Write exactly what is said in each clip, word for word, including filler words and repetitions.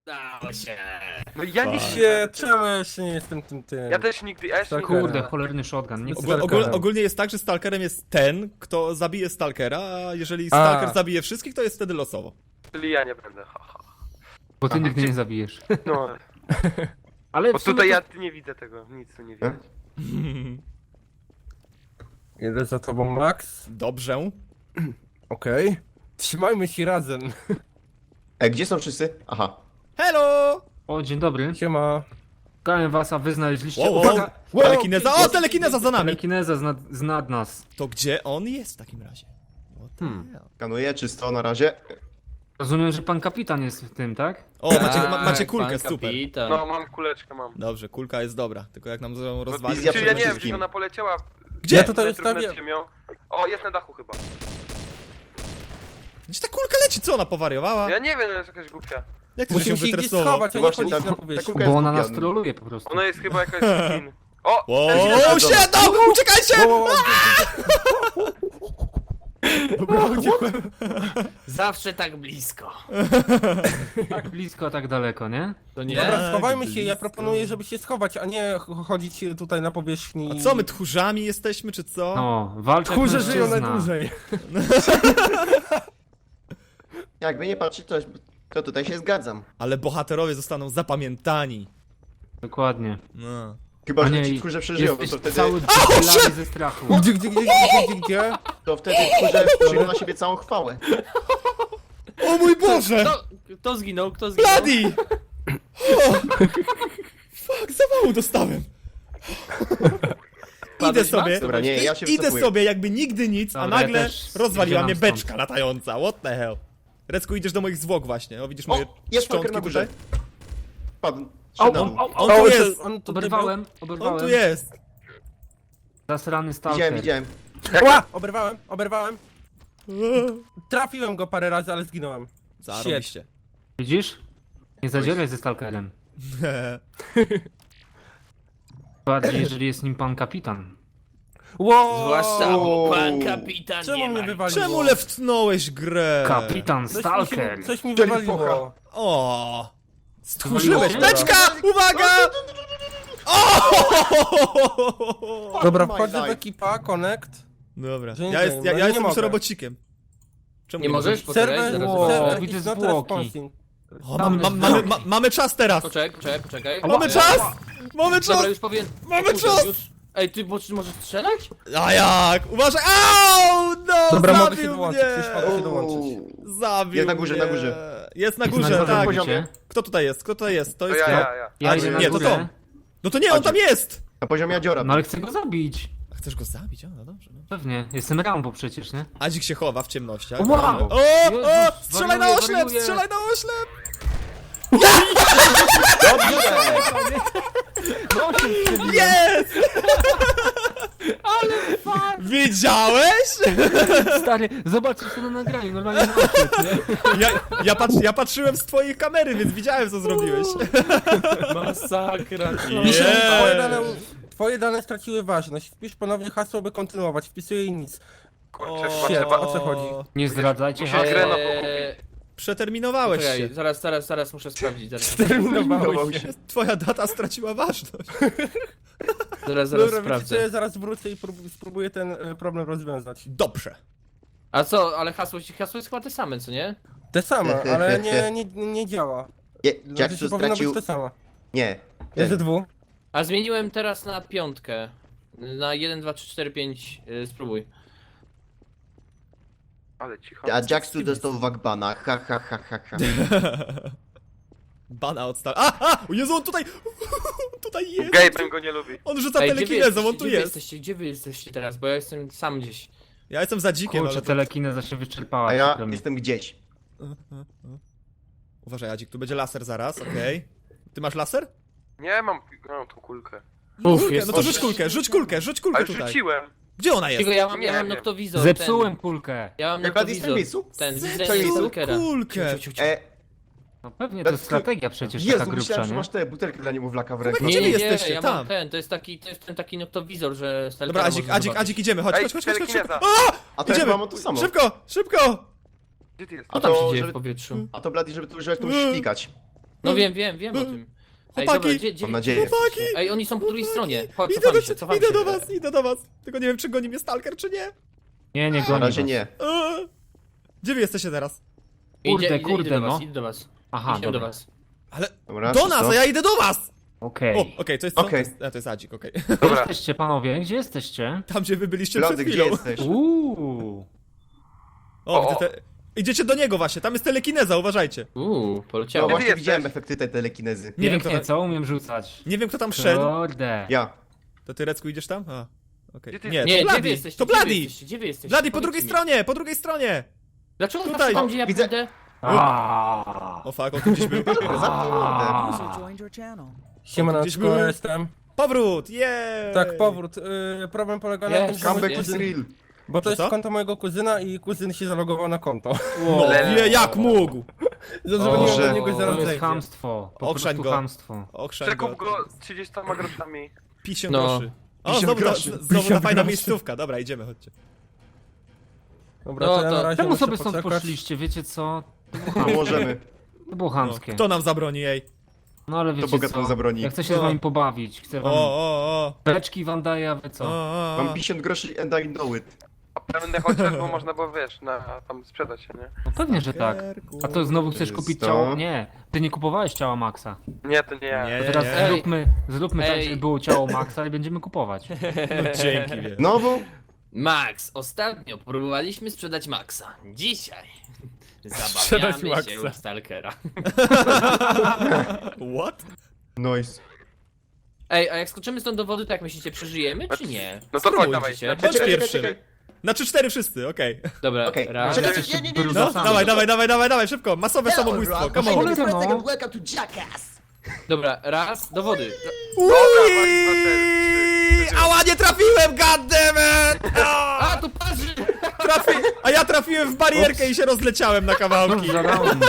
Dało się. No ja nie się, czemu ja jeszcze nie jestem tym tym? Ja też nigdy, ja jeszcze Tak, nigdy. Kurde, cholerny shotgun. Nie Ogól- chcę ogól- stalkera. ogólnie jest tak, że stalkerem jest ten, kto zabije stalkera, a jeżeli stalker A. zabije wszystkich, to jest wtedy losowo. Czyli ja nie będę, ha, ha. Bo ty nigdy nie zabijesz. No, Ale bo w sumie tutaj to- ja ty nie widzę tego, nic tu nie widać. Jedę za tobą, Max. Dobrze. Okej. Trzymajmy się razem. E, gdzie są wszyscy? Aha. Hello! O, dzień dobry. Siema. Szukałem was, a wy znaleźliście... Wow, wow. Uwaga! Telekineza, o, telekineza za nami! Telekineza znad, znad nas. To gdzie on jest w takim razie? What the Hmm. hell? Kanuję, czysto na razie. Rozumiem, że pan kapitan jest w tym, tak? O, macie, ma, Tak, macie kulkę, pan super. kapitan. No, mam kuleczkę, mam. Dobrze, kulka jest dobra, tylko jak nam zrobią No, rozwalić... wizja Czy ja przede nie wiem, wszystkim. czy ona poleciała Gdzie? Ja tutaj metrów nad ustawię. ziemią. O, jest na dachu chyba. Gdzie ta kulka leci? Co, ona powariowała? Ja nie wiem, to jest jakaś głupia. Jak ty się Musimy się gdzieś wytresował? schować, a nie Właśnie chodzić ta- na ta powierzchnię. kulka jest Bo ona nas głupia. troluje po prostu. Ona jest chyba jakaś skin. O! Wow, telekineza. shit, no! Uciekajcie! Wow, wow, Dobra, uciekłem. Zawsze tak blisko. Tak blisko, a tak daleko, nie? To nie? Dobra, schowajmy się, ja blisko. proponuję, żeby się schować, a nie ch- chodzić tutaj na powierzchni. A co, my tchórzami jesteśmy, czy co? No, walczę jak Tchórze żyją mężczyzna. najdłużej. Jakby nie patrzeć, to, to tutaj się zgadzam. Ale bohaterowie zostaną zapamiętani. Dokładnie. No. Chyba, A że nie, ci tchórze przeżyją, to, jesteś to wtedy, cały dopylany ze strachu. Gdzie, gdzie, gdzie, gdzie, gdzie, gdzie? to wtedy tchórze przyjmą na siebie całą chwałę. O mój Boże! Kto, kto zginął? Kto zginął? Bloody! O! Fuck, zawału dostałem. Idę Padłeś, sobie, Max? Dobra, nie, ja się idę wycofuję. sobie jakby nigdy nic, a Dobra, ja nagle też rozwaliła mnie zbieram beczka latająca. What the hell? Recku, idziesz do moich zwłok właśnie. O, widzisz moje O, jest stalker szczątki na górze. tutaj? Padł. O, Szedł. o, o, On o, tu O, jest! on tutaj Oberwałem, On oberwałem. tu jest! Zasrany Widziałem, stalker. widziałem. był. Ła! Oberwałem, oberwałem. Trafiłem go parę razy, ale zginąłem. Zarobiście. Widzisz? Nie zadzieraj ze stalkerem. Bardziej, jeżeli jest nim pan kapitan. Wow! Zwłaszcza O. pan kapitan Czemu nie mnie ma. wywaliło? Czemu leftnąłeś grę? Kapitan Coś mi, stalker. się, coś mi Czyli wywaliło. focha. O! Stchórzyłeś! Wywaliło cię? Beczka! Uwaga! O! Dobra, My wchodzę w life. ekipa, connect. Dobra, Że nie ja, jest, wiem, ja, no ja nie jestem już mogę. robocikiem. Czemu Nie możesz? Poczekaj, Serwer, zaraz Wow. serwer zobaczę. widzę is not zwłoki. responding. O, mam, mam, mamy, ma, mamy czas teraz! Poczekaj, poczekaj, poczekaj. Mamy E, czas! Mamy czas! Dobra, już powiem. Mamy O kurde, czas! Już... Ej, ty bo, czy możesz strzelać? A jak? Uważaj! Au! No! Dobra, zabił mogę się dołączyć, mnie! już mogę się dołączyć. Zabił Jest na górze, mnie. na górze. Jest na Na górze, górze tak. robicie? Kto tutaj jest? Kto tutaj jest? To To jest ja, kto? ja, ja. Ja A, idę na nie, to górę. to. No to nie, on tam jest! Na poziomie Adziora. No ale chcę go zabić. A chcesz go zabić? O, no dobrze. No. Pewnie, jestem Rambo przecież, nie? Adzik się chowa w ciemnościach. Wow! O, o! Jezus, Strzelaj na wariuję, oślep! wariuję. Strzelaj na oślep! No się strzeliłem. Jest! Widziałeś? Stary, zobaczysz to na nagraniu, normalnie na oślep, nie? Ja, ja, patrz, ja patrzyłem z twojej kamery, więc widziałem co zrobiłeś. Masakra. Pisze, Yeah. twoje, dane, twoje dane straciły ważność. Wpisz ponownie hasło, by kontynuować. Wpisuję i nic. Kurczę, shit, chyba o co chodzi? Nie zdradzajcie Musisz hasła. grę na Eee, Przeterminowałeś Czekaj, się. zaraz, zaraz, zaraz muszę sprawdzić. Zaraz, Terminowałeś się. Twoja data straciła ważność. zaraz, zaraz Dobra, wiecie co, sprawdzę. ja zaraz wrócę i prób- spróbuję ten e, problem rozwiązać. Dobrze. A co, ale hasło, hasło jest chyba te same, co nie? Te same, ale nie, nie, nie działa. Je, Znaczy, Jackson powinno stracił... być to samo. Nie. Jest ze dwóch. A zmieniłem teraz na piątkę. Na jeden, dwa, trzy, cztery, pięć. Yy, spróbuj. Ale cicho. A Jackson dostał wagbana. Ha, ha, ha, ha, ha. Bana odstał. A, a! O Jezu, on tutaj... Tutaj jest! Gaben go nie lubi. On rzuca Ej, gdzie wy telekinezą, on jesteście? tu Gdzie wy jest. jesteście? Gdzie wy jesteście teraz? Bo ja jestem sam gdzieś. Ja jestem za dzikiem, Kurczę, ale to... telekineza się wyczerpała. A ja przykro mi. jestem gdzieś. Uważaj, Adzik, tu będzie laser zaraz, okej. Ty masz laser? Nie, mam, mam tą kulkę. Uf, Kulkę, jest no to rzuć kulkę, rzuć kulkę, rzuć A kulkę już tutaj. rzuciłem. Gdzie ona jest? Tylko ja mam, ja Nie mam wiem. noktowizor. Zepsułem kulkę. Ten. Ja mam Jak Blady jest w noktowizor. miejscu? Ten, Co widzę jest? stalkera. Kulkę. Ciu, ciu, ciu. E, No pewnie, to jest That's- strategia przecież Jezu, taka grubsza, myślałem, że nie? masz te butelki dla niemowlaka w Gdzie ręku. wy Nie, nie, nie, jesteście? ja Tam. mam ten, to jest taki, to jest ten taki noktowizor, że stalkera Dobra, Adzik, można Adzik, zobaczyć. Adzik, idziemy, chodź, Ej, chodź, chodź, chodź, chodź, szybko. telekineza. A to ja Idziemy. chyba mam to samo. Szybko, szybko! Gdzie ty jesteś? A Co tam się to, dzieje w żeby, powietrzu? a to Blady, żeby tu, żeby tu szpikać. No wiem, wiem, wiem o tym. Ej, Chłopaki! dobra, gdzie, gdzie, Mam nadzieję. Chłopaki! Ej, oni są po drugiej stronie. Chodź, Idę cofamy do, się, cofamy idę się. do was, idę do was. Tylko nie wiem, czy goni mnie stalker, czy nie. Nie, nie Na goni razie was. nie. Eee. Gdzie wy jesteście teraz? Kurde, Idzie, idzie, kurde, idę do no. was, idę do was. Aha, Idziemy do dobra. was. Ale Dobra, do czysto. nas, a ja idę do was! Okej. O, okej, to jest co? Okej. To jest, a, to jest Adzik, okej. Gdzie Dobra. jesteście, panowie? Gdzie jesteście? Tam, gdzie wy byliście Blady, przed gdzie chwilą. jesteś? Uuu. O, O, widzę te... Idziecie do niego właśnie, tam jest telekineza, uważajcie. Uuu, No poleciało. Gdzie wy właśnie jesteś? widziałem efekty tej telekinezy. Nie wiem, kto Pięknie, tam, co? Umiem rzucać. nie wiem, kto tam szedł. Kurde. Ja. To ty, Recku, idziesz tam? A, okej. Gdzie ty- Nie, Nie, to gdzie wy Blady, jesteście? to Gdzie wy Blady! jesteście? Gdzie wy jesteście? Blady, po Powiedzcie drugiej mi. stronie, po drugiej stronie! Dlaczego Tutaj. Tutaj. tam, gdzie ja Widzę- pójdę? Aaaa. O fuck, on tu gdzieś był. Zamknij mordę. User joined your channel. Gdzieś Siemaneczko, był. ja jestem. Powrót, jej! Tak, powrót. Yy, problem polega na Yes. tym, że mój Comeback is kuzyn, real. bo to Że jest co? konto mojego kuzyna i kuzyn się zalogował na konto. Wow, nie, jak mógł? Zadzwoniłem Boże. do niego i zaraz To jest zejdzie. chamstwo. Po Okrzeń prostu go. chamstwo. Okrzeń go. Przekup go trzydziestoma groszami. pięćdziesiąt No. groszy. O, pięćdziesiąt znowu, groszy. ta, znowu ta pięćdziesiąt fajna groszy. miejscówka. Dobra, idziemy, chodźcie. Dobra, No to ja to na razie Czemu muszę sobie stąd poczekać. poszliście? Wiecie co? To było No chamskie. możemy. To było No, chamskie. kto nam zabroni jej? No ale wiecie bogatą co? zabroni. Ja chcę się No. z wami pobawić. Chcę O, wam... o, o. Beczki wam daję, a wy o, co? o, Mam o. pięćdziesiąt groszy and I know it. A będę chociaż, bo można było, wiesz, na, tam sprzedać się, nie? No pewnie, że tak. A to znowu chcesz Jest kupić to? ciało? Nie. Ty nie kupowałeś ciała Maxa. Nie, to nie ja. Nie, To nie, teraz nie. zróbmy, zróbmy tak, Ej. żeby było ciało Maxa i będziemy kupować. No, dzięki, wie. Znowu? Max, ostatnio próbowaliśmy sprzedać Maxa. Dzisiaj Sprzedać zabawiamy się Maxa. u Stalkera. What? Nice. Ej, a jak skoczymy stąd do wody, to jak myślicie, przeżyjemy czy nie? No to chodź, Spróbuj. dawaj. Się. Na Bądź Czekaj, pierwszy. czekaj, Na trzy cztery wszyscy, okej. Dobra, Okej. raz. Czekaj, Jesteście nie, nie, nie, nie, No, brudasami. dawaj, dawaj, dawaj, dawaj, dawaj, szybko. Masowe samobójstwo, come on. Cholera, no. Welcome to Jackass. Dobra, raz, do wody. Ui! Dwa, cztery, Ała, nie trafiłem, goddammit! A, tu parzy! Trafi... A ja trafiłem w barierkę i się rozleciałem na kawałki. Co za round?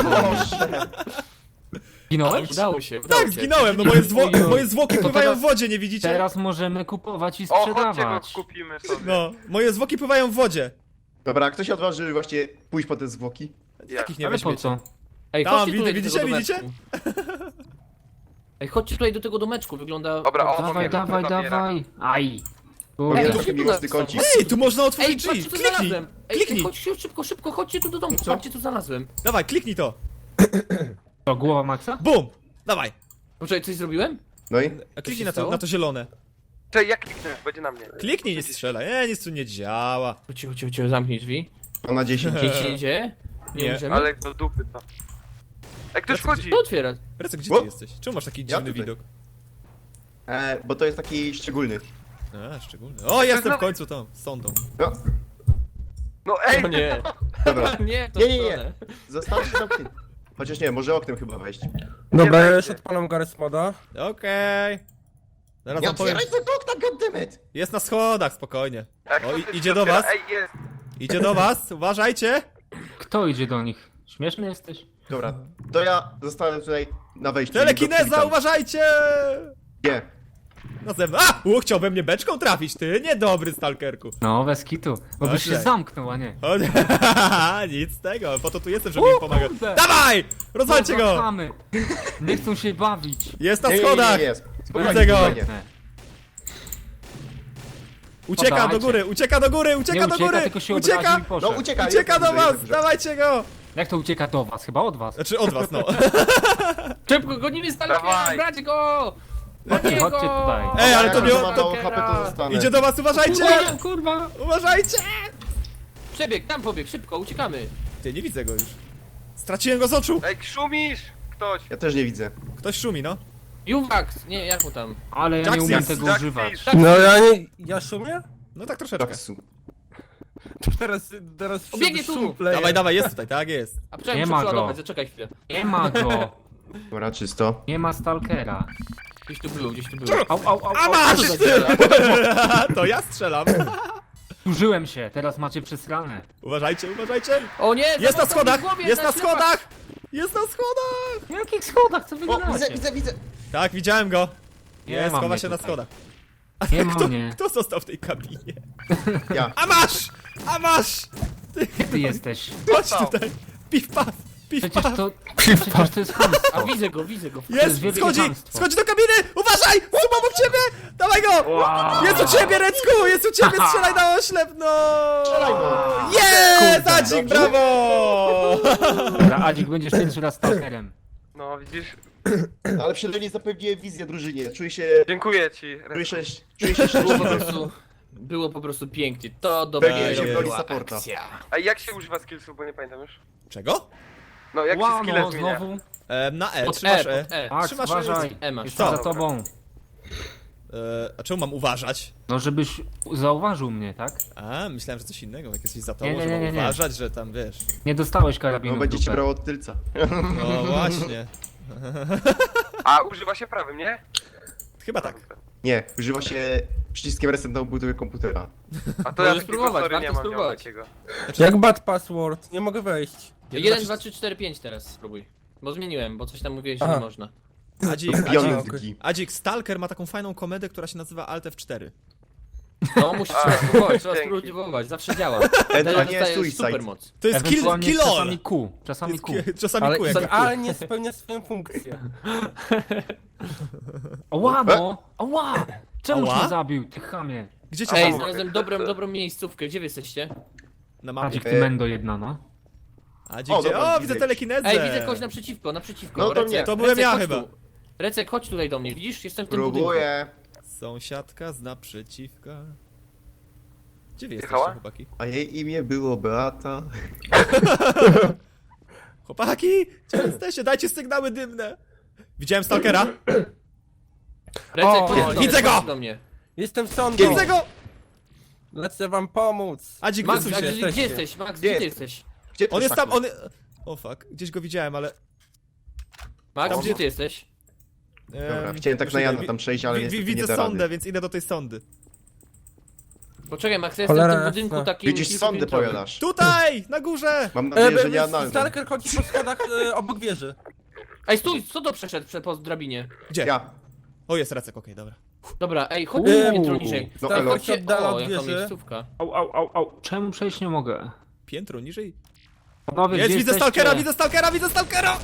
Ginąłeś? Udało się, udało Tak, się. zginąłem, no moje, zwło... moje zwłoki To pływają w teraz- wodzie, nie widzicie? Teraz możemy kupować i O, chodźcie go sprzedawać. kupimy sobie. No, moje zwłoki pływają w wodzie. Dobra, a kto się odważy właśnie pójść po te zwłoki? Ja. Takich nie Ale po weźmiecie. co? Ej, Tam, chodźcie tutaj widzicie, do tego widzicie? domeczku. Ej, chodźcie tutaj do tego domeczku, wygląda... Dobra, o, Dawaj, wiem, dawaj, zabiera. dawaj. Aj. Mam Kurde. Ej, trochę tu miłosny nas kącik. są. Ej, tu można Ej, otworzyć drzwi. patrzcie, co Kliknij, znalazłem! Ej, kliknij. ej, chodźcie szybko, szybko, chodźcie tu do domu, Co? patrzcie, co znalazłem. Dawaj, kliknij to. To głowa Maxa? Bum! Dawaj. Poczekaj, coś zrobiłem? No i? A kliknij się na to, stało? na to zielone. Czekaj, jak kliknę? Będzie na mnie. Kliknij, nie strzelaj. Nie, nic tu nie działa. Cicho, cicho, cicho, zamknij drzwi. On na dziesięć. Nic się nie dzieje? Nie, Nie, możemy? Ale do dupy to. Ej, ktoś wchodzi! To otwiera. Recek, gdzie O! ty jesteś? Czemu masz taki Ja dziwny tutaj. widok? E, bo to jest taki szczególny. A, szczególny. O, jestem w znowu- końcu tą, z sondą. No, No ej! O nie, dobra. nie, to Nie, nie, nie. stronę. Zostawcie zamknięty. Chociaż nie, może oknem chyba wejść. Dobra, ja będzie. już odpalam garę spoda. Okej. Zaraz Nie wam powiem. otwieraj tego okna, goddammit! Jest na schodach, spokojnie. Jak O, to i- ty idzie się do otwiera? was? Ej, jest! Idzie do was, uważajcie. Kto idzie do nich? Śmieszny jesteś? Dobra, to ja zostanę tutaj na wejściu. Telekineza, Witam. uważajcie! Nie. Na zewnątrz. A! U, chciał we mnie beczką trafić, ty. Niedobry stalkerku. No, bez kitu. Bo byś się Okej. zamknął, a nie. O, nie. Nic z tego, po to tu jestem, żeby im pomagać. kurde. Dawaj! Rozwalcie Co za go! chamy. Nie chcą się bawić. Jest na Nie, nie, nie, schodach! nie, nie. Spokojnie, Widzę go. spokojnie. Nie, Ucieka do Podawajcie. góry, ucieka do góry, ucieka nie do ucieka, góry! tylko się Ucieka! obraził i No poszedł. ucieka, Ucieka jest do dobrze, jest was! dobrze. Dawajcie go! Jak to ucieka do was? Chyba od was. Znaczy od was, no. Szybko, gonimy Stalkera, Dawaj. brać go! Chodźcie, chodźcie tutaj. Ej, ale Jak to on nie... ma mało To... H P, to zostanę. Idzie do was, uważajcie! Kurwa, kurwa. Uważajcie! Przebieg, tam pobieg, szybko, uciekamy. Ty, nie widzę go już. Straciłem go z oczu! Ej, szumisz! Ktoś! Ja też nie widzę. Ktoś szumi, no. Juwax, nie, jak mu tam? Ale ja nie Jackson, umiem tego Jackson. używać. No ja nie... ja szumię? No tak troszeczkę. Taksu. Teraz, teraz Biegnie tu. szumple. Dawaj, dawaj, jest tutaj, tak jest. A przynajmniej Nie muszę ma go. przeładować, zaczekaj chwilę. Nie ma go. Dobra, czysto. Nie ma stalkera. Gdzieś tu był, gdzieś tu był. Au, au, au, A au. masz! To ja strzelam. Użyłem się, teraz macie przesrane. Uważajcie, uważajcie! O nie, Jest na zamknął mi schodach! głowie, Jest na ślepa. schodach! Jest na schodach! W jakich schodach? Co wy O, widzę, gadacie? widzę, widzę. Tak, widziałem go. Nie Jest, ma chowa mnie się na tutaj. schodach. Nie ma Kto, mnie. kto został w tej kabinie? Ja. A masz! A masz! Gdzie ty jesteś? Chodź Dostał. tutaj! Piw, paf! Przecież to... Przecież to jest A chamstwo. widzę go, widzę go. To jest Jest! wielkie Schodzi! chamstwo. Schodzi do kabiny! Uważaj! Są obok ciebie! Dawaj go! Wow. Jest u ciebie, Recku! Jest u ciebie! Strzelaj na oślep, no! Strzelaj go! Jest! Kurde, Adzik, dobrze. brawo! Dobra, Adzik, będziesz pierwszy raz stalkerem. No widzisz? Ale przynajmniej zapewniłem wizję drużynie. Czuję się... Dziękuję ci. Czuję się... Czuję się Było po szczęśliwy. prostu... Było po prostu pięknie. To Pewnie się dopiero broni była supporta. akcja. A jak się używa skillsów, bo nie pamiętam już? Czego? No jak się Wow, skille no, zmienia? znowu. E, na E, Pod trzymasz E, E. pod E. Max, Trzymasz uważaj. E masz. Jestem Co? za tobą. E, a czemu mam uważać? No, żebyś zauważył mnie, tak? A, myślałem, że coś innego, jak jesteś za tobą, Nie, nie, że mam nie, nie, nie. uważać, że tam wiesz. Nie dostałeś karabinu No w będzie cię dupę. brało od tylca. No właśnie. A używa się prawym, nie? Chyba tak. Nie, używa się przyciskiem reset na obudowie komputera. A to ja Możesz takiego spróbować, sorry nie warto mam miał spróbować. takiego. Jak bad password, nie mogę wejść. jeden, dwa, trzy, cztery, pięć teraz spróbuj. Bo zmieniłem, bo coś tam mówiłeś, że Aha. nie można. Adzik, Adzik, Piątki. Adzik, Stalker ma taką fajną komedę, która się nazywa Alt F cztery. No musisz trzeba spróbować, trzeba Dzięki. spróbować, zawsze działa. Ewentualnie Dostajesz suicide. super moc. To jest kill, Ewentualnie kill all. czasami Q. Czasami Jest Q. ki- Czasami Ale kółek. idealnie spełnia swoją funkcję. Ała, no! Ała! Czemu Ała? mnie zabił, ty chamie? Gdzie cię Ej, mam? znalazłem dobrą, dobrą miejscówkę, gdzie wy jesteście? Na mapie. Adzik, E, ty mendo jedna, no. Adzik, O, gdzie? dobra, O, widzę. widzę telekinezę. Ej, widzę kogoś naprzeciwko, naprzeciwko. No to Recek, mnie. To byłem Recek, ja chodź chyba. Tu. Recek, chodź tutaj do mnie, widzisz? Jestem w tym budynku. Próbuję. Sąsiadka z naprzeciwka. Gdzie wy jesteście, Jechała? chłopaki? A jej imię było Beata. Chłopaki! Gdzie jesteście? Dajcie sygnały dymne! Widziałem Stalkera? Recek, O, chodź do mnie, widzę go! chodź do mnie. Jestem sądą. Widzę go! Lecę wam pomóc. Adzik, Max, wysuń a się. gdzie, jesteście. gdzie jesteś? Max, Gdzie gdzie ty jest? jesteś? Gdzie On ty jest tam, tak? on... O fuck, gdzieś go widziałem, ale... Max, Tam, gdzie gdzie- ty jesteś? Dobra, Em, chciałem tak już na idę. Jana tam przejść, ale Wi- niestety Widzę nie da sondę, rady. więc idę do tej sondy. Poczekaj, Max, ja jestem w Cholera tym budynku jasna. takim... Widzisz, sondę kilkupiętrowym. powiadasz. Tutaj! Na górze! Mam E, nadzieję, że be- nie analny. Stalker chodzi po schodach e, obok wieży. Ej, stój, co to przeszedł prze- po drabinie? Gdzie? Ja. O, jest Recek, okej, dobra. Dobra, ej, chodź Uuu. piętro niżej. No, Stalker elo. się oddala O, od jaka wieży. miejscówka. Au, au, au, au. Czemu przejść nie mogę? Piętro niżej? Panowie, Jest, gdzie widzę jesteście? Stalkera, widzę Stalkera, widzę Stalkera!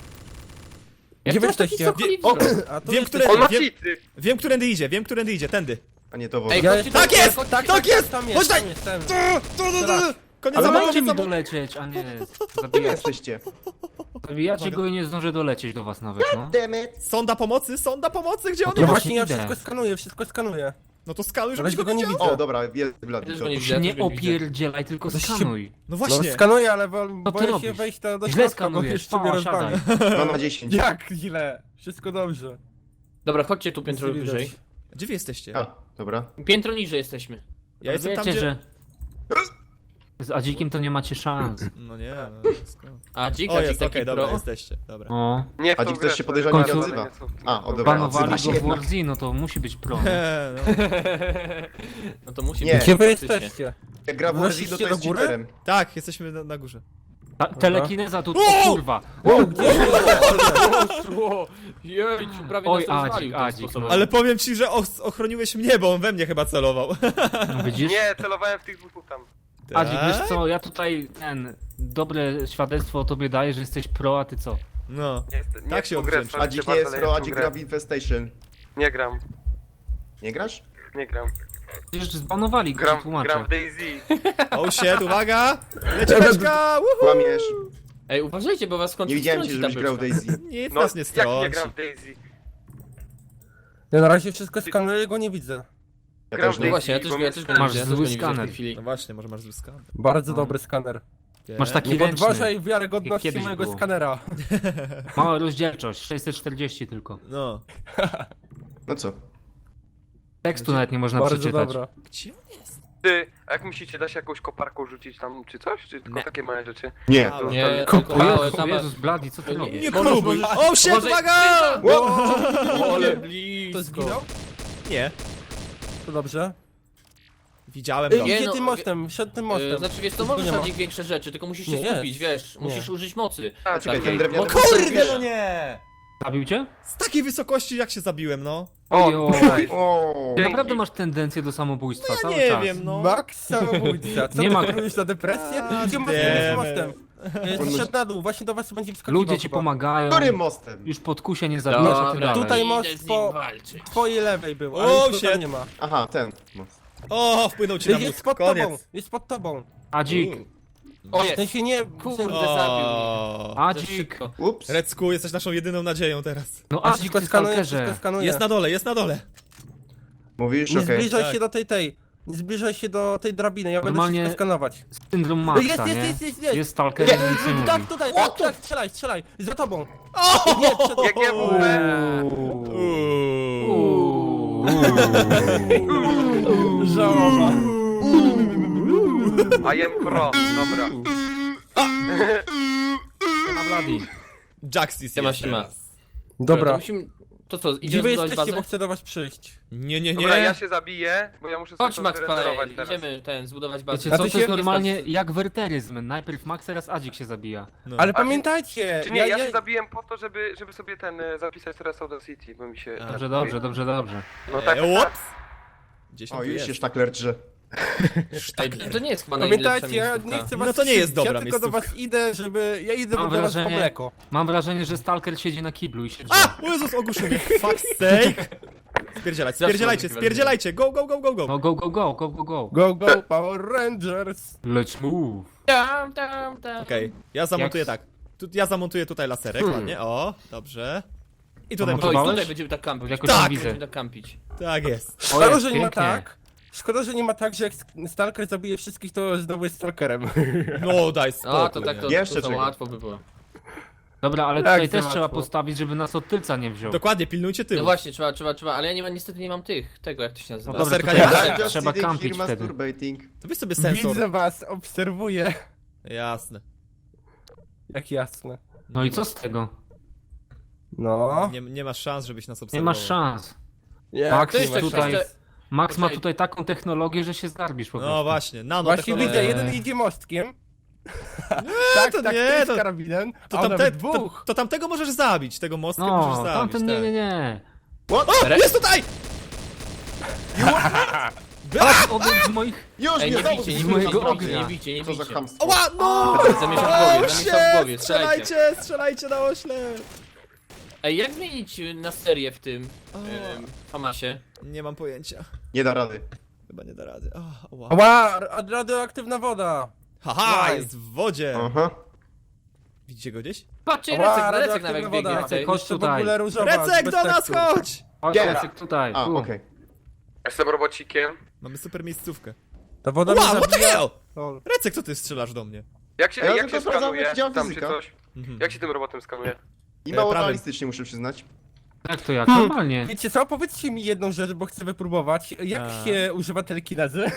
Jak Gdzie wy to taki jesteście? sokoli O, wzrok? A tu Wiem, jesteś- które- On ma Wiem- cheaty! Wiem, którędy idzie, wiem, którędy idzie, tędy. A nie to Ej, woda. Ja chodźcie jestem- tu, Tak jest! chodźcie Tak, tu. tak jest! Tam Chodź jestem, daj! jestem. Tu, tu, tu, tu. Teraz. Koniec Ale zabawy, dajcie koniec mi zabawy. dolecieć, a nie Gdzie zabijacie. jesteście? Zabijacie go i nie zdążę dolecieć do was nawet, no. Demet. Sonda pomocy, sonda pomocy, gdzie on No jest? właśnie ja idę. wszystko skanuję, wszystko skanuję. No to skaluj, Na żebyś razie go go nie widział. widzę. O, dobra, jest Ja blady. też to- go nie to- widzę. Nie Ja też go nie widzę. opierdzielaj, tylko To się- skanuj. No No właśnie. skanuję, ale bo, ty boję się robisz? wejść do, do Źle środka, bo skanujesz, jeszcze mnie pa, rozwali. No na dziesięć. Jak źle? Wszystko dobrze. Dobra, chodźcie tu piętro Nic nie wyżej. widać. Gdzie wy jesteście? A, dobra. Piętro niżej jesteśmy. Ja jestem tam, Wiecie, gdzie... że... Z Adzikiem to nie macie szans. No nie, no skąd? A dzik, O, a jest, dzik okej, taki dobra, pro. jesteście, dobra. O. Nie w A tą dzik grę, też się to podejrzanie jest nie bardzo odzywa. niecofne. A, o, dobra. Banowali odzywa go się w jednak. Warzy, no to musi być pro. Eee, no. No to musi Nie. być Gdzie wy faktycznie. jesteście? Jak gra w Warzino, Weszliście to jest do góry? cheaterem. Tak, jesteśmy na, na górze. Ta, telekineza tu, O! o kurwa. O, gdzie? Poszło! Jejciu, prawie Oj, nas rozwalił Adzik, tym Adzik, sposobem. no. Ale powiem ci, że och- ochroniłeś mnie, bo on we mnie chyba celował. No widzisz? Nie, celowałem w tych dwóch tam. Adzik, Tak? wiesz co, ja tutaj ten... Dobre świadectwo o tobie daję, że jesteś pro, a ty co? No. Nie, jest- nie Tak w się tą grę, odwdzięcza. sorry, Adzik nie bardzo, jest ale pro, w tą Adzik grę. gra w Infestation. Nie gram, Nie grasz? nie gram. Przecież zbanowali go, Gram, ci tłumaczę. gram w Daisy. Oh shit, uwaga! Leci beczka! Woohoo! Kłamiesz. Ej, uważajcie, bo was skąd Nie widziałem cię, żebyś grał w Daisy. Nic No, nas nie jak nie strąci. gram w Daisy? Ja na razie wszystko skanuję, go nie widzę. Ja Gram też w No nie. właśnie, ja też, ja też go nie Masz widzę, ja też zły go nie widzę w tej skaner. chwili. No właśnie, może masz zły skan. Bardzo No. dobry skaner. Masz taki Nie ręczny. podważaj wiarygodności Jak kiedyś mojego było. skanera. Mała rozdzielczość, sześćset czterdzieści tylko. No. No co? Tekstu nawet nie można Bardzo przeczytać. dobra. Gdzie on jest? Ty, a jak myślicie, da się jakąś koparką rzucić tam, czy coś? Czy tylko Nie. takie małe rzeczy? Nie. Halo. Nie, O tylko O małe, Jezus, same... Jezus, Bladi, co ty Nie. robisz? Nie Możesz- próbuj! możesz- Oh shit, Uważaj- uwaga! Ale To blisko. zginął? Nie. To dobrze. Widziałem Ej, go. Nie, idzie no, tym mostem, szedł tym Yy, mostem. Znaczy wiesz, to Nic go możesz nie ma. robić większe rzeczy, tylko musisz się Nie, skupić, jest. wiesz, Nie. musisz użyć mocy. A, czekaj, Takiej. ten drewniany Mocy- posąg Kurde, wiesz. no nie! Zabił cię? Z takiej wysokości jak się zabiłem, no. O, Oj, nice. O. Dzięki. Naprawdę masz tendencję do samobójstwa Ja cały nie czas. wiem, no. Max samobójca. Co Nie nie ma- ma na depresję? A, Idzie mostem, damn idzie it. mostem. Jest Zszedł na dół, właśnie do was będzie wskakiwał Ludzie ci chyba. pomagają. Którym mostem? Już pod kusie nie zabijasz, a ty Dobra, dalej. Tutaj idę most z nim po- walczyć. Twojej lewej był, O, ale już go shit. tam nie ma. Aha, ten most. O, wpłynął ci na Jest mózg, pod tobą, koniec. jest pod tobą. Adzik, O, W jest. sensie nie... Kurde, w sensie- zabił mnie. O. Za Adzik. szybko. Ups. Recku, jesteś naszą jedyną nadzieją teraz. No A Adzik, wszystko ty skanuje, stalkerze. wszystko skanuje. Jest na dole, jest na dole. Mówisz? Nie Okej. zbliżaj Tak. się do tej tej. Nie zbliżaj się do tej drabiny, ja będę Normalnie- wszystko skanować. Syndrom Maxa, Jest, jest, nie? jest, jest, jest. Jest stalkerem i nic nie mówi. Tak, tutaj, tak, tak, strzelaj, strzelaj. Za tobą. O! Nie, przed... Jak nie mówię. Uuu. Żałoba. I am pro, dobra. Na Bloody. Jaxis Siema, jest siema. teraz. To Dobra. musimy... To co, Gdzie idziemy wy zbudować jesteście, bazę? bo chcę do was przyjść. Nie, nie, Dobra, ja nie. się zabiję, bo ja muszę sobie Chodź to Max, zregenerować panie, teraz. idziemy ten, zbudować bazę. Wiecie A co, ty to jest się- normalnie jak werteryzm. Najpierw Max, teraz Adzik się zabija. No. Ale A, pamiętajcie, Czy nie, ja się zabiłem po to, żeby, żeby sobie ten, e, zapisać teraz Soda City, bo mi się... A. Dobrze, dobrze, dobrze, dobrze. No tak, E, ups. Gdzieś O, on tu już jest. się sztakler drze. Ej, to nie jest chyba najlepsza Pamiętajcie, ja miejscówka. nie chcę was No to nie jest krzywdzić, dobra ja tylko do miejscówka. was idę, żeby... Ja idę Mam do was po wrażenie- mleko. Mam wrażenie, że stalker siedzi na kiblu i się drze. A! O Jezus, ogłuszenie. Fuck sake. Spierdzielać, spierdzielajcie, spierdzielajcie. Go, go, go, go, go. No go, go, go, go, go, go. Go, go, Power Rangers. Let's move. Tam, tam, tam. Okej, ja zamontuję Jak- tak. Tu, ja zamontuję tutaj laserek, Hmm. ładnie. O, dobrze. I tutaj A może... O, i Montowałeś? tutaj będziemy tak kampić. Jakoś Tak. tam widzę. Będziemy tak kampić. Tak jest. O, Szkoda, jest, że nie ma pięknie. tak. Szkoda, że nie ma tak, że jak Stalker zabije wszystkich, to znowu jest Stalkerem. No, daj spokój. A, to tak to, Jeszcze to, to czego? łatwo by było. Dobra, ale Tak, tutaj też za trzeba łatwo. postawić, żeby nas od tylca nie wziął. Dokładnie, pilnujcie No tyłu. właśnie, trzeba, trzeba, trzeba, ale ja nie ma, niestety nie mam tych, tego jak to się nazywa. No dobra, Laserka tutaj nie da. trzeba- Just trzeba sitting kampić here wtedy. masturbating. To weź sobie sensor. Widzę was, obserwuję. Jasne. Jak jasne. No i co z tego? No. Nie, nie masz szans, żebyś nas Nie obserwował. masz szans. Jak Max To nie jest masz tak, tutaj- szans? że- Max ma Okej. tutaj taką technologię, że się zgarbisz po prostu. No właśnie, nano Właśnie technologia. widzę, Eee. jeden idzie mostkiem. tak, to tak, nie, ty z to- karabinem, To, a on tamte, nawet to, dwóch. to tamtego możesz zabić, tego mostka możesz No, zabić. tamten nie, tak. nie, nie. O, jest tutaj! Patrz, obok z moich... Już Ej, mnie nie znowu bijcie, nie z bijcie, mojego nie bijcie, ognia. nie bijcie, nie Co za bijcie. chamstwo. Oła, no! Zamiesza w głowie, O, zamiesza w głowie, shit! strzelajcie. Strzelajcie, strzelajcie na ośle! Ej, jak zmienić na serię w tym O. ym, Hamasie? Nie mam pojęcia. Nie da rady. Chyba nie da rady. O, oła. Ła, ra- radioaktywna woda. Haha, Łaj. jest w wodzie! Aha. Widzicie go gdzieś? Patrzcie, Ła, Recek, Recek radioaktywna nawet woda. biegnie Recek, tutaj. chodź Jeszcze w tutaj. ogóle różowa, Recek, bez do nas tekstur. chodź! Chodź, Giera. Jacek, tutaj, A, tu. okej. Jestem robocikiem. Mamy super miejscówkę. Ta woda Wow, mnie what the zabija. hell? Lol. Recek, co ty strzelasz do mnie? Jak się, A ja jak tylko się sprawdzam, skanuje jak działa tam czy fizyka. coś? Mhm. Jak się tym robotem skanuje? I E, mało prawym. realistycznie, muszę przyznać. Jak to jak? Normalnie. Wiecie co, powiedzcie mi jedną rzecz, bo chcę wypróbować. Jak A. się używa telekinezy?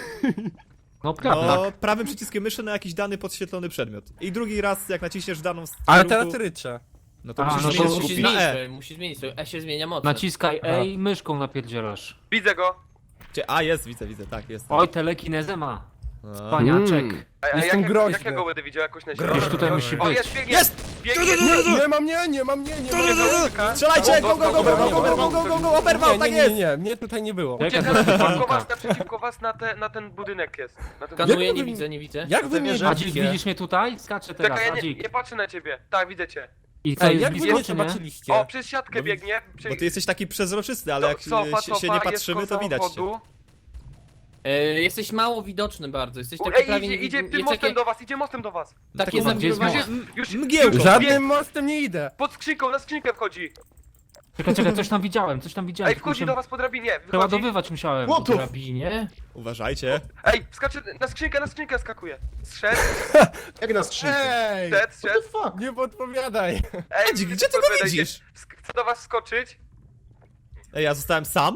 No prawda. No, prawym przyciskiem myszy na jakiś dany podświetlony przedmiot. I drugi raz, jak naciśniesz w daną Ale kierunku, teraz ryczę. no to A, musisz no to zmienić Musi skupić na zmienić, E. swoje, musi zmienić swoje, E się zmienia moc. Naciskaj E i myszką napierdzielasz. Widzę go. Gdzie- A, jest, widzę, widzę, tak, jest. Oj, telekinezę ma. A. Paniaczek. A, a Jestem jak, groźny. jak ja go będę widział jakoś na Groźny. ziemi? Gdzieś tutaj musi O, być. jest, biegnie! Jest! Biegnie! Nie, nie ma mnie, nie ma mnie, nie ma mnie. Strzelajcie! Go, go, go, go, go, go, go, go, go, go, oberwał, Nie, tak nie, nie, jest! nie, mnie tutaj nie było. Jaka Ucieka to naprzeciwko was, panika. naprzeciwko was na, te, na ten budynek jest. Na ten Kanuję, Jak nie wy- widzę, nie widzę. Jak wy mnie wierzę. Adzik, widzicie? widzisz mnie tutaj? Skaczę teraz, Czekaj, ja nie, Adzik. nie patrzę na ciebie. Tak, widzę cię. I co, Ej, jest jak wy blisko mnie czy nie? zobaczyliście? O, przez siatkę No, biegnie. Prze... Bo ty jesteś taki przezroczysty, ale jak Co- cofa, się, się cofa, nie jest patrzymy, koło to widać cię. samochodu. E, jesteś mało widoczny bardzo, jesteś U, taki Ej, prawie idzie, nie idzie widny. tym Jest mostem takie, do was, idzie mostem do was. takie Gdzie jest zawirowanie. most? M- Już Mgiełką. Żadnym mostem nie idę. pod skrzynką, na skrzynkę wchodzi. Czekaj, czekaj, coś tam widziałem, coś tam widziałem. Ej, wchodzi Muszę do was po drabinie. Wychodzi. przeładowywać musiałem. What the f- Drabinie? Uważajcie. Ej, skacze na skrzynkę, na skrzynkę skakuje. Zszedł, Jak na skrzynkę. Ej! zszedł, What the zszedł. fuck? Nie podpowiadaj. Ej, Adzik, gdzie ty go podpowiadajcie. widzisz? Sk- Chcę do was skoczyć. Ej, ja zostałem sam?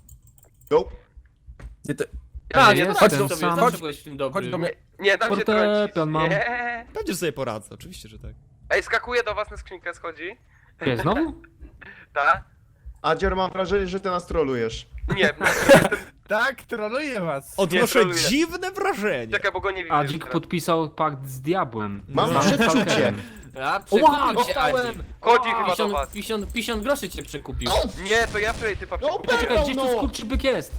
Nope. Nie, to... Tak, nie, jest chodź ten Zawsze sobie, sam. zawsze byłeś w tym dobry. Chodź do mnie. Nie, tam się Fortepian trącisz. mam. Nie. Pewnie, że sobie poradzę, oczywiście, że tak. Ej, skakuje do was na skrzynkę, schodzi. Gdzie, znowu? Tak? Adzior, mam wrażenie, że ty nas trolujesz. Nie, Tak, troluję was. Odnoszę troluję. dziwne wrażenie. czekaj, bo go nie widzę. Adzik teraz. podpisał pakt z diabłem. Mam Z przeczucie. stalkerem. A, Ła, przekupił cię dostałem! Adzik. Chodzi chyba do Pięćdziesiąt, was. pięćdziesiąt, pięćdziesiąt groszy cię przekupił. Nie, to ja wczoraj typa No, przekupiłem. Czekaj, gdzieś tu no. skurczybyk jest.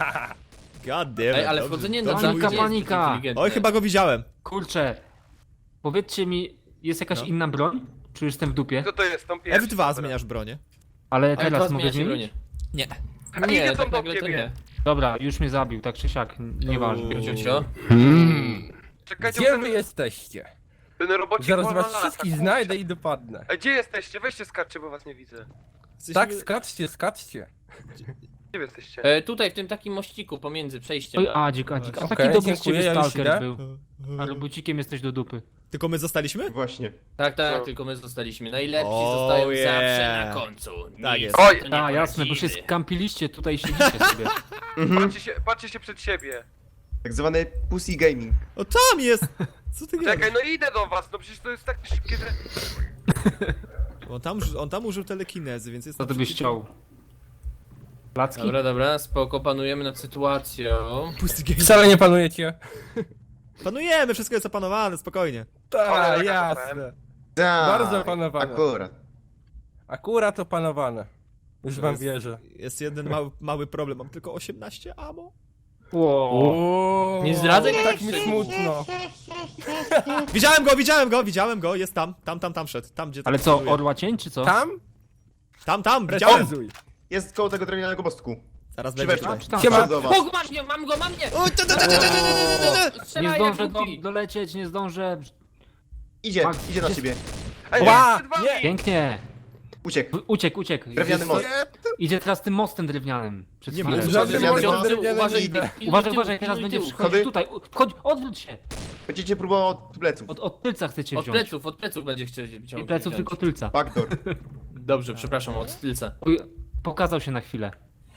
God damn it, Ej, ale dobrze. wchodzenie Dobrze na mój Panika, dzień. jest panika. inteligentne. Oj, chyba go widziałem. Kurczę. Powiedzcie mi, jest jakaś No. inna broń? Czy jestem w dupie? Co to jest? Tą pierwszą. F dwa zmieniasz bronię. Ale Ale teraz teraz mogę zmienia się zmienić? Nie. A Nie, idzie tak tam do nagle to ciebie. nie. Dobra, już mnie zabił, tak czy siak, n- nieważne. Uuu. Ciocio? Czekajcie, Gdzie bo wy ten, jesteście? ten robocik Zaraz wolno was lata, wszystkich kurczę. znajdę i dopadnę. Ej, gdzie jesteście? Weźcie skaczcie, bo was nie widzę. Jesteśmy- Tak, skaczcie, skaczcie. Gdzie wy jesteście? E, tutaj, w tym takim mościku pomiędzy przejściem. Oj, Adzik, Adzik, a Okej, taki dobry z dziękuję, ciebie ja już stalker idę. był. A robocikiem jesteś do dupy. Tylko my zostaliśmy? Właśnie. Tak, tak, Co? tylko my zostaliśmy. Najlepsi Oh, zostają yeah. zawsze na końcu. Tak Nic jest. Oj! to nie A, jasne, bo się poradzimy. skampiliście tutaj i siedzicie sobie. Patrzcie się, patrzcie się przed siebie. Tak zwany pussy gaming. O, tam jest! Co ty Czekaj, gadasz? no idę do was, no przecież to jest tak szybkie, że... On tam, on tam użył telekinezy, więc jest... Co ty byś chciał? Placki? Dobra, dobra, spoko, panujemy nad sytuacją. Pusty game. Wcale nie panujecie. Panujemy, wszystko jest opanowane, spokojnie. Tak, Cholera, jasne. Tak, Bardzo opanowane. Akurat. Akurat opanowane. Już wam wierzę. Jest jeden mały, mały problem, mam tylko osiemnaście ammo. Wow. O, Nie zdradzaj tak mi mi smutno. Widziałem go, widziałem go, widziałem go, jest tam, tam, tam, tam szedł, tam gdzie... Ale tam co, celuje. orła cień czy co? Tam? Tam, tam, widziałem! Precyzuj. Jest koło tego drewnianego mostku. Zaraz Przy będzie wejściu. tutaj. Czy tam? Siema. Do was. O, masz mnie, mam go, mam mnie! O, tu, tu, tu, tu, tu, tu, tu, tu. Strzelaj, Nie jak zdążę go głupi. dolecieć, nie zdążę. Idzie, Max, idzie na gdzie- ciebie. Ej, Ła, przed wami! nie. Pięknie. Uciekł. W- Uciekł, uciekł. Drewniany Jest- most. Idzie teraz tym mostem drewnianym. Przed Nie chwilą. mów, Żadnym Drewniany mostem most. drewnianym Uważaj, nie idę. pilnuj Uważaj, tyłu, uważaj, teraz pilnuj będzie tyłu. przychodzić Schody? tutaj. U- Wchodź, odwróć się. Będziecie próbował od pleców. Od, od tylca chcecie Od wziąć. pleców, od pleców będzie chciał Nie wziąć. pleców, tylko tylca. Backdoor. Dobrze, przepraszam, od tylca. Uj, pokazał się na chwilę.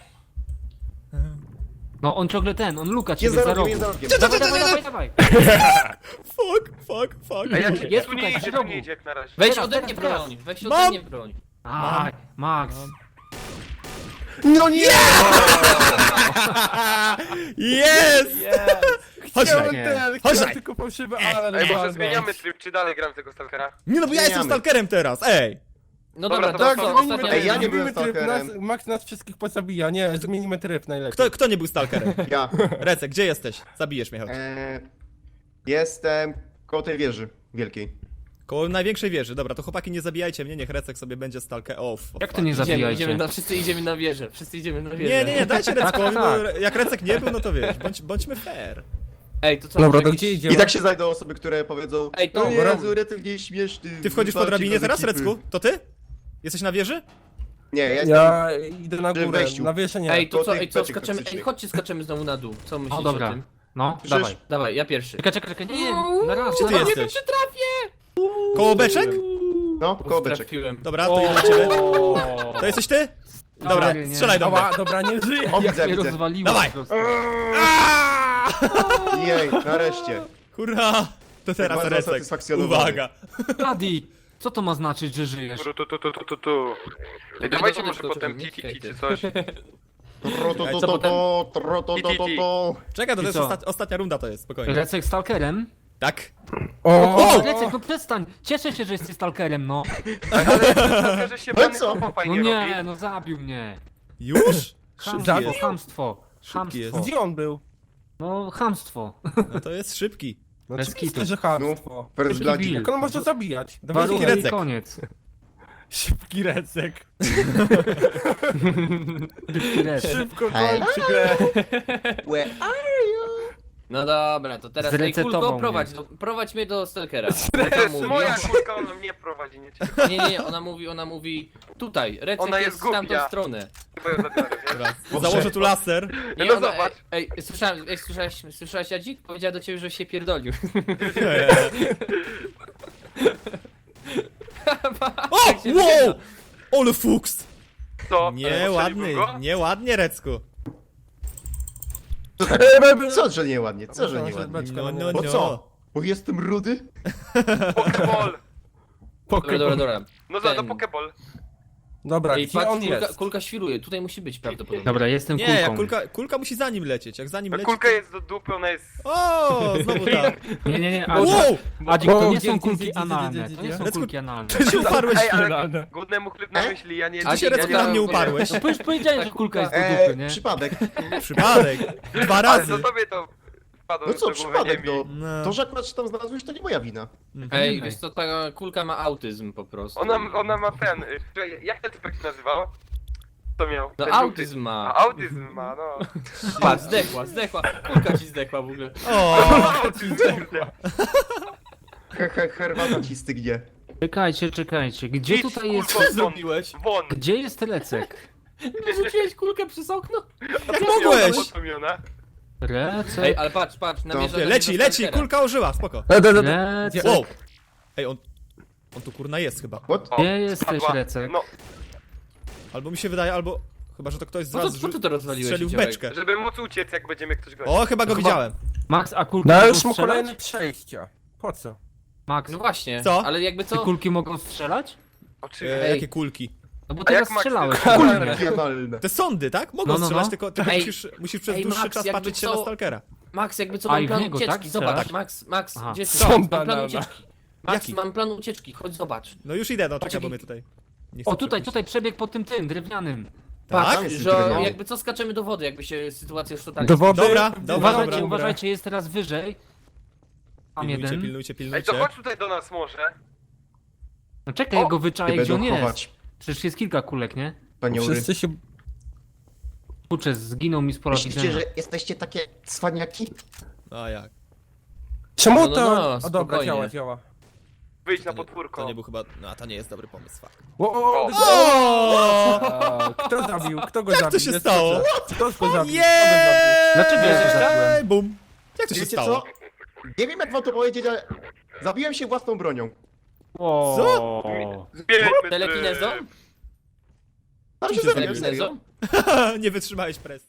No on ciągle ten, on luka Jest ciebie za za rogiem, rogu. jest za rogiem. Dawaj, dawaj, dawaj, dawaj. Fuck, fuck, fuck. Ej, ja, Jest jest tu tutaj, nie w idzie, tu rogu. nie idzie jak na razie. Weź Teraz, ode teraz, mnie teraz. broń, weź Mam. ode mnie broń. Aj, Max. No nie! Jest! Chodź Chciałem tutaj. Nie. ten, Chodź chciałem tutaj. tylko fałszywy alarm. Ej, może walnąć. zmieniamy tryb, czy dalej gram w tego stalkera? Nie no, bo ja jestem Zmieniamy. stalkerem teraz, ej! No Dobra, dobra, to to Tak, co, co, zmienimy ostatnia Ej, ja nie zmienimy byłem tryb, nas, stalkerem. Max nas wszystkich pozabija, nie, zmienimy tryb najlepiej. Kto, kto nie był stalkerem? Ja. Recek, gdzie jesteś? Zabijesz mnie, chodź. Eee, jestem koło tej wieży wielkiej. Koło największej wieży, dobra, to chłopaki nie zabijajcie mnie, niech Recek sobie będzie stalker. O, f- Jak to nie Idziemy, zabijajcie? idziemy na, wszyscy idziemy na wieżę, wszyscy idziemy na wieżę. Nie, nie, nie, dajcie Reckowi, no, tak. jak Recek nie był, no to wiesz, bądź, bądźmy fair. Ej, to co? Dobra, może to jakiś- gdzie idziemy? I tak się znajdą osoby, które powiedzą: Ej, to- No Jezu, Recek nie śmieszny. Ty wchodzisz po walczy drabinie bez teraz, ekipy. Recku? To ty? Jesteś na wieży? Nie, ja jestem. Ja idę na Przy górę, wejściu. na wieszę nie. Ej, to do co, tych ej, co, beczek skaczemy, ej, toksycznych. chodźcie, skaczemy znowu na dół. Co myślicie O o dobra, tym? no, Przecież- dawaj. Dawaj, ja pierwszy. Czekaj, czekaj, czekaj, nie, na raz, Gdzie na ty raz. jesteś? Koło beczek? No, koło beczek. Trafiłem. Dobra, to idę do ciebie. To jesteś ty? Dobra, Stary, nie. strzelaj do mnie. Ała, dobra, nie żyję. O, Jak widzę, mnie widzę. rozwaliło Dawaj. po prostu. Jej, nareszcie. Hurra! To teraz Bardzo Recek. usatysfakcjonowany. Uwaga. Adi, co to ma znaczyć, że żyjesz? Tu, tu, tu, tu, tu, tu, tu. Ej, dawajcie może potem titi czy coś. Tro, to, to, Co to, potem? to, tro, to, to, to, to. Czekaj, to I jest co? ostat... ostatnia runda to jest, spokojnie. Recek stalkerem? Tak? O, O, Recek, no przestań! Cieszę się, że jesteś stalkerem, no. Ale że się Ale pan co? chłopa No fajnie nie, robi. no zabił mnie. Już? Szybki Chamstwo, jest. chamstwo. Szybki jest. Chamstwo. gdzie on był? No, chamstwo. No to jest szybki. No Bez oczywiście, kitu. że chamstwo. First Szybki Blood. Bill. Jak on może zabijać? Dawaj, Warunek Recek. i koniec. Szybki recek. Szybki Recek. Szybko Hej. kończy grę. Where are you? No dobra, to teraz ej, Zresetował kulko, mnie. prowadź, do, prowadź mnie do Stalkera. To Ona jest mówi, moja kulka, ona mnie prowadzi, nie cię. nie, nie, nie, ona mówi, ona mówi tutaj, Recek Ona jest jest w tamtą głupia. stronę. Chyba ją zabiorę, nie? Dobra, Boże. założę tu laser. Nie, No ona, ej, zobacz. ej, słyszałem, ej, słyszałeś, słyszałeś Jadzik? Powiedziała do ciebie, że się pierdolił. O! Tak się Wow! wygląda. Ole fuks! Co? Nieładny, Go? nieładnie, Recku. Co, że nieładnie? Co, że nieładnie? No, no, Bo no. co? Bo jestem rudy? Pokeball. Dobra, dobra, dobra. No za, do Ten. pokeball. Dobra, Ej, gdzie patrz, on kulka, jest? kulka świruje, tutaj musi być prawdopodobnie. Dobra, jestem Nie, kulką. jak kulka, kulka musi za nim lecieć, jak za nim Ta leci... kulka jest do dupy, ona jest... O, znowu tam. Nie, nie, nie, ale... Wow! Adzik, to Bo- nie gdzie, są gdzie, kulki gdzie, gdzie, analne, gdzie, to nie gdzie? są Recku- kulki analne. Ty się uparłeś Ej, ale Finalne. głodnemu chleb na myśli, ja nie... A Ty się ja Recku nie na mam mnie w ogóle- uparłeś. No przecież powiedziałem, że kulka jest do Eee, dupy, nie? przypadek. Przypadek. Dwa Ale razy. to tobie to... spadło No co, do głowy przypadek, ziemi. no. No. To, że akurat się tam znalazłeś, to nie moja wina. Ej, Ej. wiesz co, ta kulka ma autyzm po prostu. Ona, ona ma ten... y, czekaj, jak ten typek się nazywał? To miał? No Ten autyzm żółty- ma. A, autyzm ma, no. Patrz, zdechła, zdechła. Kulka ci zdechła w ogóle. O, Autyzm, kurde. He, he, herbata ci stygnie. Czekajcie, czekajcie. Gdzie Idź, tutaj jest... kurwa, Co zrobiłeś? Won! Gdzie jest Recek? Wyrzuciłeś kulkę przez okno? jak mogłeś? Potomiona. Ej, Recek... ale patrz, patrz, namierza Nie, do leci, niego leci, stalkera. kulka ożyła, spoko. Recek... Wow. Ej, on... On tu kurna jest chyba. What? O, Gdzie jesteś, spadła. Recek? No, Albo mi się wydaje, albo... Chyba, że to ktoś z Po co, was po co to rozwaliłeś? strzelił w Ciołek? beczkę. żeby móc uciec, jak będziemy ktoś gonić. O, chyba go Chyba- widziałem. Max, a kulki No ale mogą już mu strzelać? kolejne przejścia. Po co? Max, No właśnie, Co? ale jakby te co? kulki mogą strzelać? Oczywiście. E, Ej. jakie kulki? No bo A jak teraz Max- strzelały. Kurde. Regionalne. Te sądy, tak? Mogą No, no, strzelać, no. tylko, tylko Ej. musisz, musisz przez Ej, dłuższy Max, czas jakby patrzeć się co- na stalkera. Max, jakby co, A, mam i w plan niego, ucieczki, tak? zobacz, Strzelasz? Max, Max, Aha. gdzie jesteś? Co? Max, mam plan Banana. ucieczki. Max, Jaki? mam plan ucieczki, chodź zobacz. No już idę, no czekaj, Poczekaj. bo mnie tutaj... nie chcę O, tutaj, przepuścić. tutaj przebieg po tym tym, drewnianym. Patrz, Tak? jest że drewniany. jakby co skaczemy do wody, jakby się sytuacja już totalnie... Do wody. Dobra, dobra, Uważajcie, dobra. uważajcie, jest teraz wyżej. Tam Pilnujcie, jeden. pilnujcie, Ej, pilnujcie. to chodź tutaj do nas może. No czekaj, O, ja go Nie wyczaję, gdzie on będą jest. chować. Przecież jest kilka kulek, nie? Panie Ury. Wszyscy się... Kurczę, zginął mi sporo Myślicie, widzenia. że jesteście takie cwaniaki? A jak? Czemu No, no, to... no, o dobra, spokojnie. działa, działa. Wyjdź na To nie- podwórko. To nie był chyba... No, to nie jest dobry pomysł, fuck. O, o, o, O! o, kto zabił? Kto go Jak zabił? to się Jest stało? dobrze. Kto go zabił? Jeee! Dlaczego ja to zabiłem? Ej, bum! Jak to się Wiecie stało? co? Nie wiem jak wam to powiedzieć, ale... Zabiłem się własną bronią. Co? Zbierzmy Telekinezo? Ale się Czym się zabiłem, zabiłeś? serio. Telekinezo? Nie wytrzymałeś presji.